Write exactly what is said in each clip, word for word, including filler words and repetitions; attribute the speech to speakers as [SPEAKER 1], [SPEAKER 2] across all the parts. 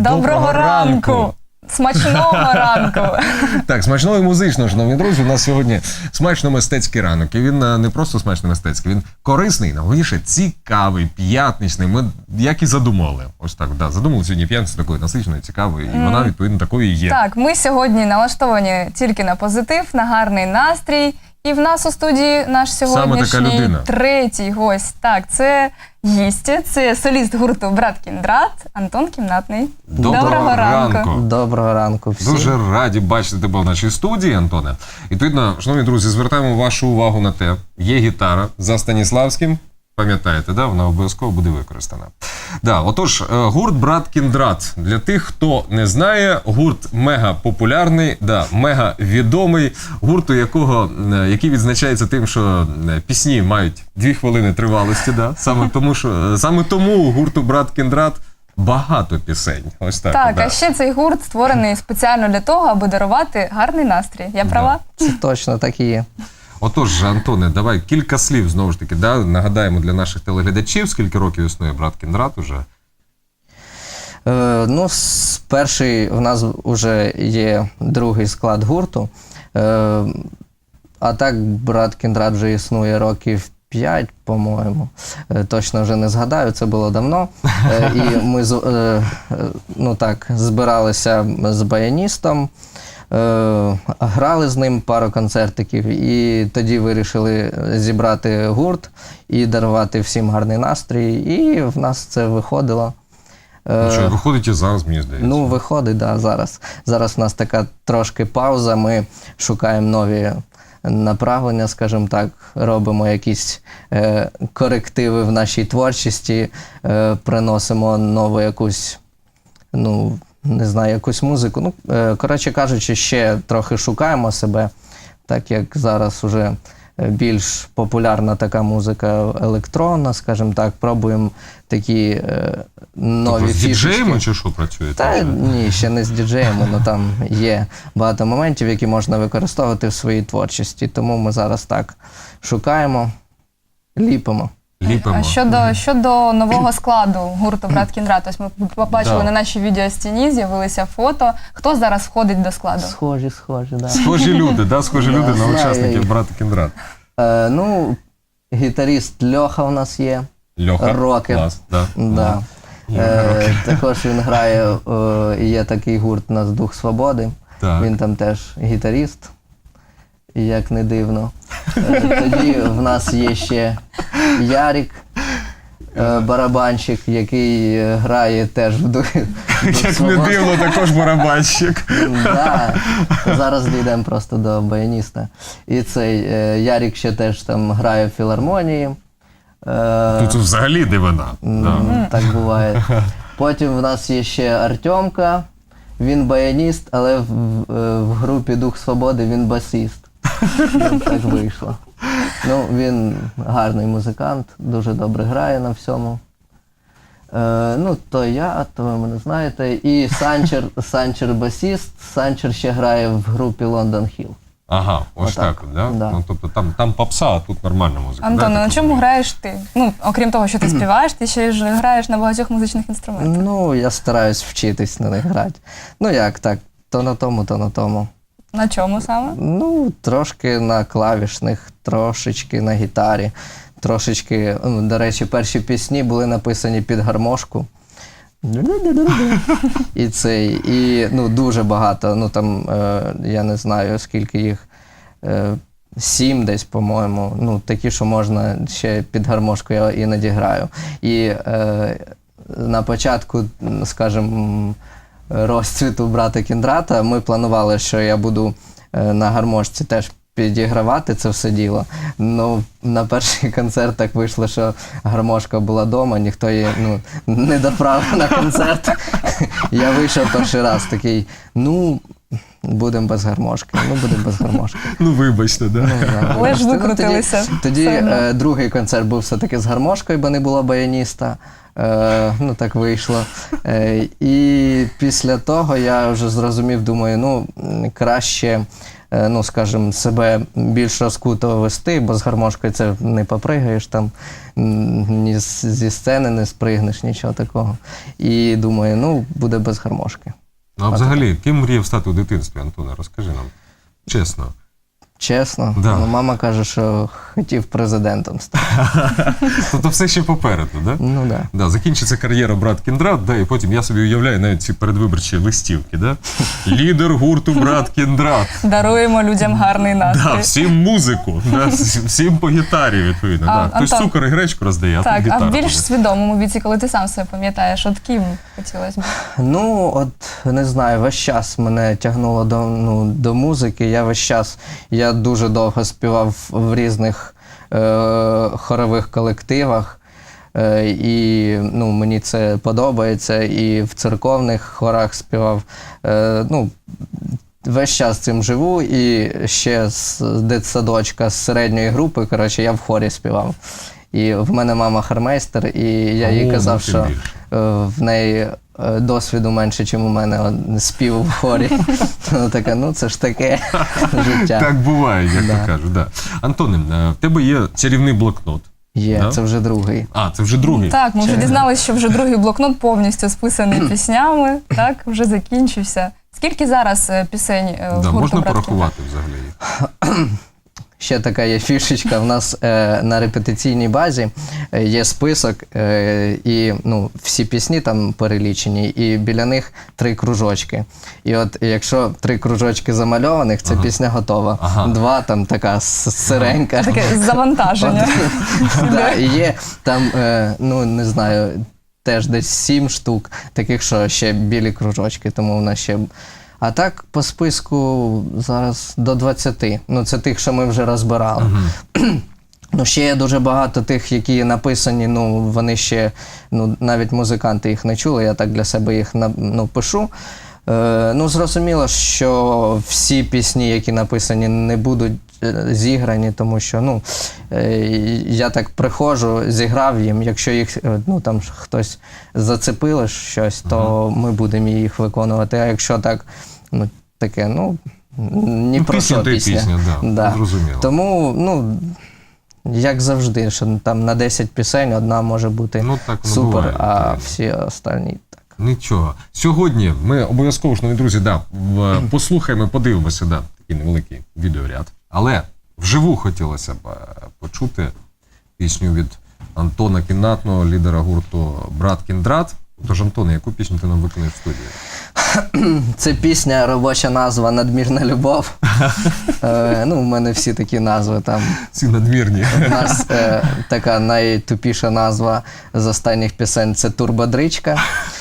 [SPEAKER 1] Доброго ранку! Смачного ранку!
[SPEAKER 2] Так, смачного і музичного, шановні друзі. У нас сьогодні смачно-мистецький ранок. І він не просто смачно-мистецький, він корисний, найголовніше цікавий, п'ятничний. Ми як і задумали. Ось так, да, задумали сьогодні п'ятницю такою насиченою, цікавою. І вона, відповідно, такою і є.
[SPEAKER 1] Так, ми сьогодні налаштовані тільки на позитив, на гарний настрій. І в нас у студії наш сьогоднішній третій гость. Так, це гістя, це соліст гурту «Брат Кіндрат» Антон Кімнатний.
[SPEAKER 2] Доброго, Доброго ранку. ранку!
[SPEAKER 3] Доброго ранку всім.
[SPEAKER 2] Дуже раді бачити тебе в нашій студії, Антоне. І, відповідно, шановні друзі, звертаємо вашу увагу на те, є гітара за Станіславським. Пам'ятаєте, да? Вона обов'язково буде використана. Да, отож, гурт «Брат Кіндрат». Для тих, хто не знає, гурт мега популярний, да, мега відомий, гурт, у якого, який відзначається тим, що пісні мають дві хвилини тривалості. Да? Саме тому, що, саме тому у гурту «Брат Кіндрат» багато пісень. Ось так.
[SPEAKER 1] Так,
[SPEAKER 2] да.
[SPEAKER 1] А ще цей гурт створений спеціально для того, аби дарувати гарний настрій. Я права?
[SPEAKER 3] Да. Це точно так і є.
[SPEAKER 2] Отож, Антоне, давай кілька слів, знову ж таки, да? Нагадаємо для наших телеглядачів, скільки років існує «Брат Кіндрат» уже?
[SPEAKER 3] Е, ну, перший в нас вже є другий склад гурту. Е, а так, «Брат Кіндрат» вже існує років п'ять, по-моєму. Е, точно вже не згадаю, це було давно. Е, і ми е, ну, так, збиралися з баяністом. Грали з ним пару концертиків, і тоді вирішили зібрати гурт і дарувати всім гарний настрій, і в нас це виходило.
[SPEAKER 2] Ну що, виходить і зараз, мені здається.
[SPEAKER 3] Ну, виходить, так, да, зараз. Зараз в нас така трошки пауза, ми шукаємо нові направлення, скажімо так, робимо якісь е, корективи в нашій творчості, е, приносимо нову якусь, ну, не знаю, якусь музику. Ну, коротше кажучи, ще трохи шукаємо себе, так як зараз уже більш популярна така музика електронна, скажімо так, пробуємо такі е, нові
[SPEAKER 2] тобто
[SPEAKER 3] фішечки.
[SPEAKER 2] З діджеями чи що працюєте?
[SPEAKER 3] Та ні, ще не з діджеями, але там є багато моментів, які можна використовувати в своїй творчості. Тому ми зараз так шукаємо, ліпимо.
[SPEAKER 2] Ліпимо.
[SPEAKER 1] А щодо, щодо нового складу гурту «Брат Кіндрат», ось ми побачили
[SPEAKER 2] да.
[SPEAKER 1] на нашій відеостіні, з'явилися фото. Хто зараз входить до складу?
[SPEAKER 3] Схожі, схожі, так. Да.
[SPEAKER 2] Схожі люди, да? Схожі
[SPEAKER 3] да,
[SPEAKER 2] люди на
[SPEAKER 3] знаю.
[SPEAKER 2] учасників «Брата Кіндрат».
[SPEAKER 3] Е, ну, гітаріст Льоха у нас є.
[SPEAKER 2] Льоха,
[SPEAKER 3] Рокер.
[SPEAKER 2] клас, да.
[SPEAKER 3] Да. Е, також він грає, е, є такий гурт у нас «Дух Свободи».
[SPEAKER 2] Так.
[SPEAKER 3] Він там теж гітаріст, як не дивно. Е, тоді в нас є ще Ярик, е, барабанщик, який грає теж в «Дух
[SPEAKER 2] Як не дивно, також барабанщик.
[SPEAKER 3] Да. Зараз дійдемо просто до баяніста. І цей е, Ярик ще теж там грає в філармонії. Е,
[SPEAKER 2] Тут взагалі дивина. Да.
[SPEAKER 3] Так буває. Потім в нас є ще Артемка. Він баяніст, але в, в, в групі «Дух Свободи» він басіст. Так вийшло. Ну, він гарний музикант, дуже добре грає на всьому. Е, ну, то я, то ви мене знаєте. І Санчер, Санчер басіст. Санчер ще грає в групі «Лондон Хіл».
[SPEAKER 2] Ага, ось
[SPEAKER 3] Отак.
[SPEAKER 2] так, да?
[SPEAKER 3] Да.
[SPEAKER 2] Ну, тобто там, там попса, а тут нормальна музика.
[SPEAKER 1] Антон,
[SPEAKER 2] да,
[SPEAKER 1] на чому граєш ти? Ну, окрім того, що ти співаєш, ти ще ж граєш на багатьох музичних інструментах.
[SPEAKER 3] Ну, я стараюсь вчитись на них грати. Ну, як так, то на тому, то на тому.
[SPEAKER 1] На чому саме?
[SPEAKER 3] Ну, трошки на клавішних, трошечки на гітарі, трошечки, ну, до речі, перші пісні були написані під гармошку. І цей, і, ну, дуже багато, ну, там, е, я не знаю, скільки їх, е, сім десь, по-моєму, ну, такі, що можна ще під гармошку я іноді граю. І е, на початку, скажімо, розцвіту «Брата Кіндрата» ми планували, що я буду е, на гармошці теж підігравати це все діло. Ну, на перший концерт так вийшло, що гармошка була вдома, ніхто її, ну, не доправив на концерт. Я вийшов перший раз такий, ну, будемо без гармошки, ну, будемо без гармошки.
[SPEAKER 2] Ну, вибачте, да?
[SPEAKER 3] Ну, да,
[SPEAKER 1] Але ж
[SPEAKER 3] вибачте.
[SPEAKER 1] викрутилися.
[SPEAKER 3] Ну, тоді тоді е, другий концерт був все-таки з гармошкою, бо не було баяніста. Е, ну, так вийшло. Е, і після того я вже зрозумів, думаю, ну, краще е, ну, скажімо, себе більш розкуто вести, бо з гармошкою це не попригаєш там, м, ні з- зі сцени не спригнеш, нічого такого. І думаю, ну, буде без гармошки.
[SPEAKER 2] Ну, а взагалі, ким мріяв стати у дитинстві, Антоне? Розкажи нам. Чесно.
[SPEAKER 3] Чесно,
[SPEAKER 2] Да.
[SPEAKER 3] ну, мама каже, що хотів президентом стати.
[SPEAKER 2] Тобто все ще попереду, да?
[SPEAKER 3] Ну, да.
[SPEAKER 2] Да, закінчиться кар'єра брат Кіндрат, да, і потім я собі уявляю навіть ці передвиборчі листівки, да? Лідер гурту брат Кіндрат.
[SPEAKER 1] Даруємо людям гарний настрій.
[SPEAKER 2] Да, всім музику, да, всім- всім по гітарі, відповідно.
[SPEAKER 1] А,
[SPEAKER 2] Да. Хтось
[SPEAKER 1] Антон,
[SPEAKER 2] цукор і гречку роздає, а
[SPEAKER 1] Так,
[SPEAKER 2] тут
[SPEAKER 1] а
[SPEAKER 2] гітара.
[SPEAKER 1] в більш
[SPEAKER 2] буде.
[SPEAKER 1] свідомому віці, коли ти сам себе пам'ятаєш, от ким хотілося б?
[SPEAKER 3] Ну, от не знаю, весь час мене тягнуло до, ну, до музики. Я весь час, я дуже довго співав в різних е, хорових колективах. Е, і ну, мені це подобається. І в церковних хорах співав. Е, ну, весь час цим живу. І ще з дитсадочка, з середньої групи, коротше, я в хорі співав. І в мене мама хармейстер, і я їй
[SPEAKER 2] О,
[SPEAKER 3] казав,
[SPEAKER 2] ну, тим
[SPEAKER 3] що
[SPEAKER 2] більше.
[SPEAKER 3] е, в неї е, досвіду менше, ніж у мене от, спів в хорі. Вона така, ну це ж таке життя.
[SPEAKER 2] Так буває, як
[SPEAKER 3] Да.
[SPEAKER 2] то кажуть. Да. Антоне, е, в тебе є чарівний блокнот.
[SPEAKER 3] Є,
[SPEAKER 2] Да?
[SPEAKER 3] це вже другий.
[SPEAKER 2] А, це вже другий.
[SPEAKER 1] Так, ми вже дізналися, що вже другий блокнот повністю списаний піснями. Так, вже закінчився. Скільки зараз е, пісень е, в
[SPEAKER 2] Да,
[SPEAKER 1] гурту
[SPEAKER 2] можна
[SPEAKER 1] «Брат Кіндрат»?
[SPEAKER 2] порахувати взагалі їх?
[SPEAKER 3] Ще така є фішечка. В нас е, на репетиційній базі е, є список, е, і ну, всі пісні там перелічені, і біля них три кружочки. І от якщо три кружочки замальованих, це
[SPEAKER 2] Ага.
[SPEAKER 3] пісня готова.
[SPEAKER 2] Ага.
[SPEAKER 3] Два там така с- сиренька.
[SPEAKER 1] Таке завантаження.
[SPEAKER 3] Да, і є там, е, ну не знаю, теж десь сім штук, таких, що ще білі кружочки, тому в нас ще. А так по списку зараз до двадцяти. Ну, це тих, що ми вже розбирали. Ну, ще є дуже багато тих, які написані, ну, вони ще, ну, навіть музиканти їх не чули, я так для себе їх на- ну, пишу. Е, ну, зрозуміло, що всі пісні, які написані, не будуть е, зіграні, тому що, ну, е, я так приходжу, зіграв їм, якщо їх, е, ну, там хтось зацепило щось, то ми будемо їх виконувати, а якщо так, ну, таке, ну, ні
[SPEAKER 2] Ну,
[SPEAKER 3] про
[SPEAKER 2] пісня
[SPEAKER 3] що
[SPEAKER 2] то й
[SPEAKER 3] пісня.
[SPEAKER 2] пісня, да, зрозуміло.
[SPEAKER 3] Тому, ну, як завжди, що там на десять пісень одна може бути
[SPEAKER 2] Ну, так воно
[SPEAKER 3] супер,
[SPEAKER 2] буває,
[SPEAKER 3] а
[SPEAKER 2] відповідно.
[SPEAKER 3] всі останні так.
[SPEAKER 2] Нічого. Сьогодні ми обов'язково, шановні друзі, да, в- послухаємо, подивимося, да, такий невеликий відеоряд. Але вживу хотілося б е, почути пісню від Антона Кіннатного, лідера гурту «Брат Кіндрат». Тож, Антоне, яку пісню ти нам виконаєш в студії?
[SPEAKER 3] Це пісня, робоча назва «Надмірна любов». е, ну, у мене всі такі назви там.
[SPEAKER 2] Ці надмірні.
[SPEAKER 3] У нас е, така найтупіша назва з останніх пісень – це «Турбодричка».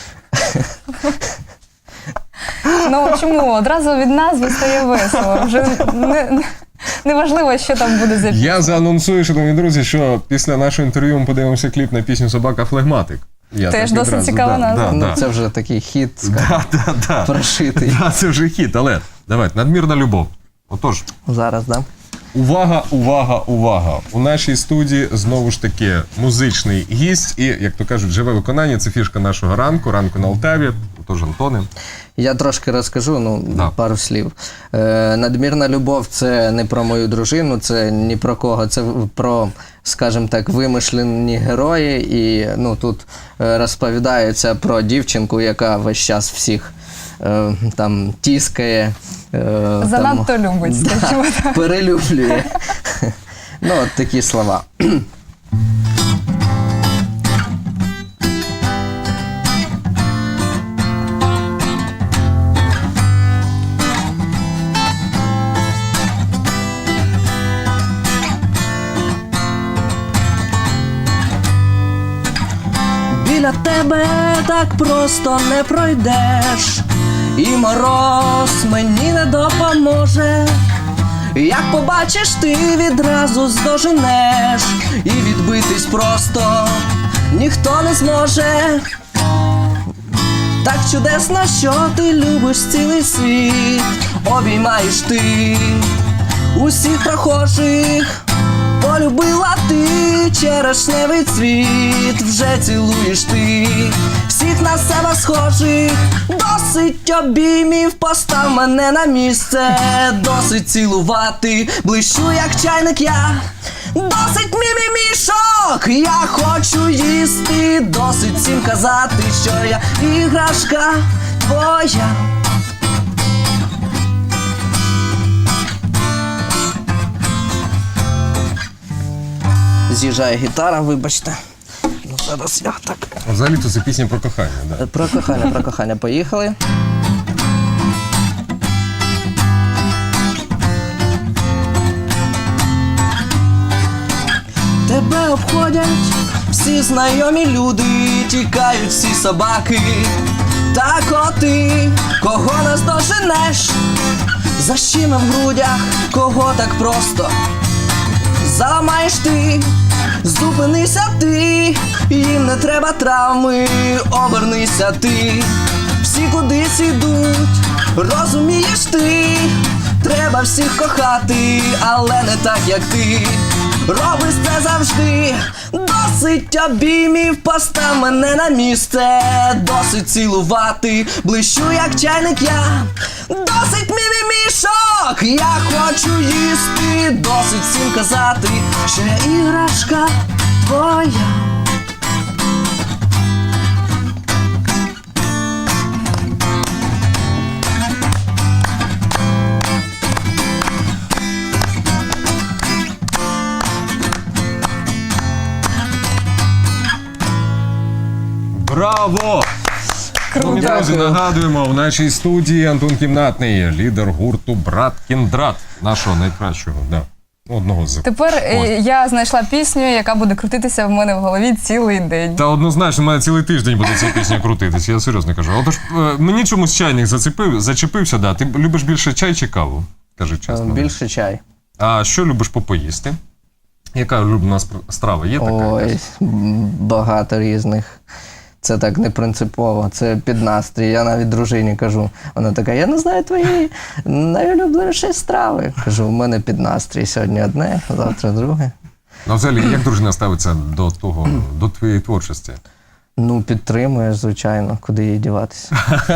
[SPEAKER 1] Ну чому? Одразу від назви стає весело. Вже не, не, неважливо, що там буде за пісня.
[SPEAKER 2] Я заанонсую, шановні друзі, що після нашого інтерв'ю ми подивимося кліп на пісню «Собака Флегматик». Я
[SPEAKER 1] Теж
[SPEAKER 2] так
[SPEAKER 1] досить
[SPEAKER 2] відразу,
[SPEAKER 1] цікава
[SPEAKER 2] да,
[SPEAKER 1] назва.
[SPEAKER 2] да,
[SPEAKER 3] Ну,
[SPEAKER 2] да.
[SPEAKER 3] це вже такий хіт,
[SPEAKER 2] Да, да, да.
[SPEAKER 3] прошитий.
[SPEAKER 2] Да, це вже хіт, але давайте, надмірна любов. Отож,
[SPEAKER 3] Зараз, да?
[SPEAKER 2] увага, увага, увага. У нашій студії знову ж таки музичний гість і, як то кажуть, живе виконання. Це фішка нашого ранку, ранку на Алтаві. Отож, Антоне.
[SPEAKER 3] Я трошки розкажу, ну,
[SPEAKER 2] Да.
[SPEAKER 3] пару слів. Е, надмірна любов – це не про мою дружину, це ні про кого, це про, скажімо так, вимишлені герої. І ну, тут е, розповідається про дівчинку, яка весь час всіх е, там тіскає. Е,
[SPEAKER 1] Занадто
[SPEAKER 3] там,
[SPEAKER 1] любить, скажімо так.
[SPEAKER 3] перелюблює. Ну, от такі слова. Біля тебе так просто не пройдеш, і мороз мені не допоможе. Як побачиш, ти відразу здоженеш, і відбитись просто ніхто не зможе. Так чудесно, що ти любиш цілий світ, обіймаєш ти усіх прохожих по полюбила ти черешневий цвіт, вже цілуєш ти всіх на себе схожих. Досить обіймів, постав мене на місце, досить цілувати, блищу як чайник я. Досить мімімішок, я хочу їсти, досить всім казати, що я іграшка твоя. З'їжджає гітара, вибачте. Ну, зараз я так.
[SPEAKER 2] Взагалі-то це пісня про кохання, да?
[SPEAKER 3] Про кохання, про кохання. Поїхали. Тебе обходять всі знайомі люди, тікають всі собаки та коти. Кого нас доженеш? Защіми в грудях, кого так просто заламаєш ти, зупинися ти, їм не треба травми, обернися ти. Всі кудись ідуть, розумієш ти, треба всіх кохати, але не так, як ти. Робиш це завжди, досить обіймів, постав мене на місце, досить цілувати, блищу як чайник я. Досить мімімішок, я хочу їсти, досить всім казати, що я іграшка твоя.
[SPEAKER 2] Браво! Шановні друзі, нагадуємо, в нашій студії Антон Кімнатний, лідер гурту Брат Кіндрат, нашого найкращого, да, одного з.
[SPEAKER 1] Тепер е, я знайшла пісню, яка буде крутитися в мене в голові цілий день.
[SPEAKER 2] Та однозначно, в мене цілий тиждень буде ця пісня крутитися, я серйозно кажу. Отож, е, мені чомусь чайник зацепив, зачепився, да. Ти любиш більше чай чи каву? Кажи чесно.
[SPEAKER 3] Більше чай.
[SPEAKER 2] А що любиш попоїсти? Яка улюблена спр- страва? Є така?
[SPEAKER 3] Ой, багато різних. Це так не принципово, це під настрій. Я навіть дружині кажу, вона така, я не знаю твої найулюбленіші страви. Кажу, у мене під настрій сьогодні одне, завтра друге.
[SPEAKER 2] Ну, взагалі, як дружина ставиться до того, до твоєї творчості?
[SPEAKER 3] Ну, підтримуєш, звичайно, куди їй діватися.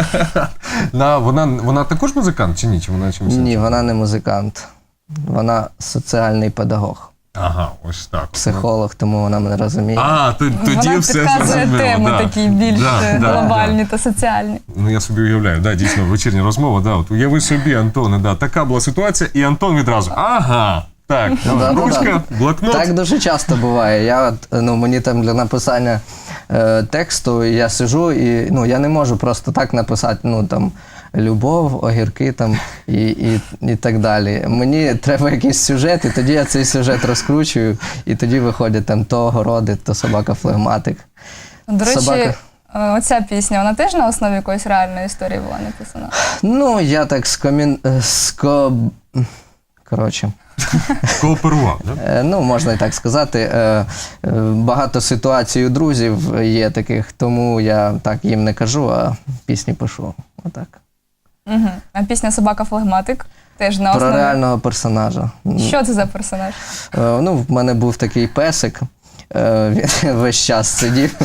[SPEAKER 2] На, вона, вона також музикант чи ні? Чи вона чимось?
[SPEAKER 3] Ні, вона не музикант. Вона соціальний педагог,
[SPEAKER 2] Ага, ось так.
[SPEAKER 3] психолог, тому вона мене розуміє.
[SPEAKER 2] А, то- тоді
[SPEAKER 1] Вона
[SPEAKER 2] все
[SPEAKER 1] підказує
[SPEAKER 2] зрозуміло.
[SPEAKER 1] теми
[SPEAKER 2] да.
[SPEAKER 1] такі більш
[SPEAKER 2] Да,
[SPEAKER 1] е,
[SPEAKER 2] да,
[SPEAKER 1] глобальні
[SPEAKER 2] да.
[SPEAKER 1] та соціальні.
[SPEAKER 2] Ну, я собі уявляю, да, дійсно, вечірня розмова, да, от уяви собі, Антоне, да, така була ситуація, і Антон відразу, ага, так,
[SPEAKER 3] Ну, да,
[SPEAKER 2] ручка,
[SPEAKER 3] да,
[SPEAKER 2] блокнот.
[SPEAKER 3] Так дуже часто буває. Я, от, ну, мені там для написання е, тексту я сижу і ну, я не можу просто так написати, ну там любов, огірки там і, і, і так далі. Мені треба якийсь сюжет, і тоді я цей сюжет розкручую, і тоді виходять там то огороди, то собака-флегматик.
[SPEAKER 1] До речі,
[SPEAKER 3] Собака.
[SPEAKER 1] е, оця пісня, вона теж на основі якоїсь реальної історії була написана?
[SPEAKER 3] Ну, я так скомін... е, ско... Коротше.
[SPEAKER 2] Кооперував, да?
[SPEAKER 3] Е, Ну, можна і так сказати. Е, е, Багато ситуацій у друзів є таких, тому я так їм не кажу, а пісні пишу. Отак.
[SPEAKER 1] Угу. А пісня «Собака-флегматик» теж на
[SPEAKER 3] Про
[SPEAKER 1] основі.
[SPEAKER 3] реального персонажа.
[SPEAKER 1] Що це за персонаж?
[SPEAKER 3] Е, Ну, в мене був такий песик, е, він весь час сидів.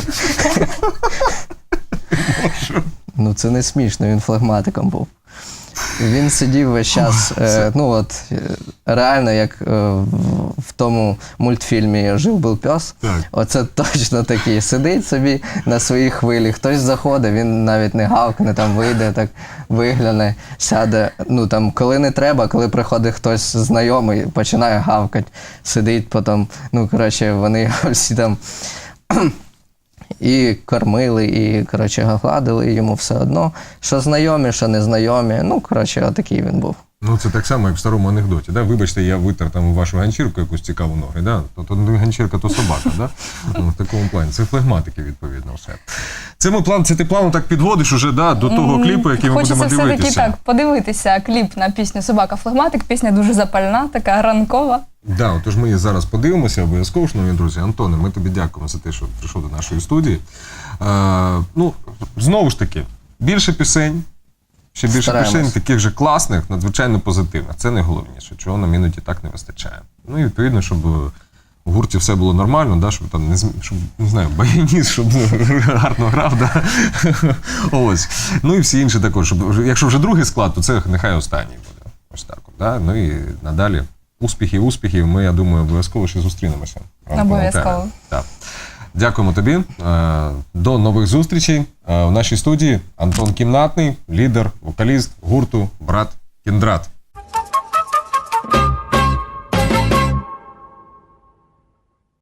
[SPEAKER 3] Ну, це не смішно, він флегматиком був. Він сидів весь час, е, ну от, е, реально, як е, в, в тому мультфільмі «Жив-був пес»,
[SPEAKER 2] Так.
[SPEAKER 3] оце точно такий. Сидить собі на своїй хвилі, хтось заходить, він навіть не гавкне, там вийде, так вигляне, сяде. Ну там, коли не треба, коли приходить хтось знайомий, починає гавкати, сидить потім, ну, коротше, вони всі там і кормили, і, коротше, гладили йому все одно. Що знайомі, що незнайомі. Ну, коротше, отакий він був.
[SPEAKER 2] Ну, це так само, як в старому анекдоті, да? Вибачте, я витер там вашу ганчірку якусь цікаву ноги, да? То, то не ганчірка, то собака, да? Ну, в такому плані. Це флегматики, відповідно, все. Це ми план, це ти плану так підводиш уже, да, до того кліпу, який ми
[SPEAKER 1] Хочеться
[SPEAKER 2] будемо
[SPEAKER 1] все-таки
[SPEAKER 2] дивитися.
[SPEAKER 1] так подивитися кліп на пісню «Собака-флегматик». Пісня дуже запальна, така ранкова.
[SPEAKER 2] Да, отож ми її зараз подивимося обов'язково, шановні друзі. Антоне, ми тобі дякуємо за те, що прийшов до нашої студії. Е, ну, знову ж таки, більше пісень, ще більше
[SPEAKER 3] Стараємось.
[SPEAKER 2] пісень таких же класних, надзвичайно позитивних. Це найголовніше, чого нам іноді так не вистачає. Ну і відповідно, щоб в гурті все було нормально, да, щоб там не, зм- щоб, не знаю, баяніст, щоб гарно грав. Да? Ось. Ну і всі інші також. Щоб, якщо вже другий склад, то це нехай останній буде. Ось так. От, да? Ну і надалі успіхів, успіхів. Ми, я думаю, обов'язково ще зустрінемося.
[SPEAKER 1] Обов'язково.
[SPEAKER 2] Так. Дякуємо тобі. Е, До нових зустрічей. Е, В нашій студії Антон Кімнатний, лідер, вокаліст гурту «Брат Кіндрат».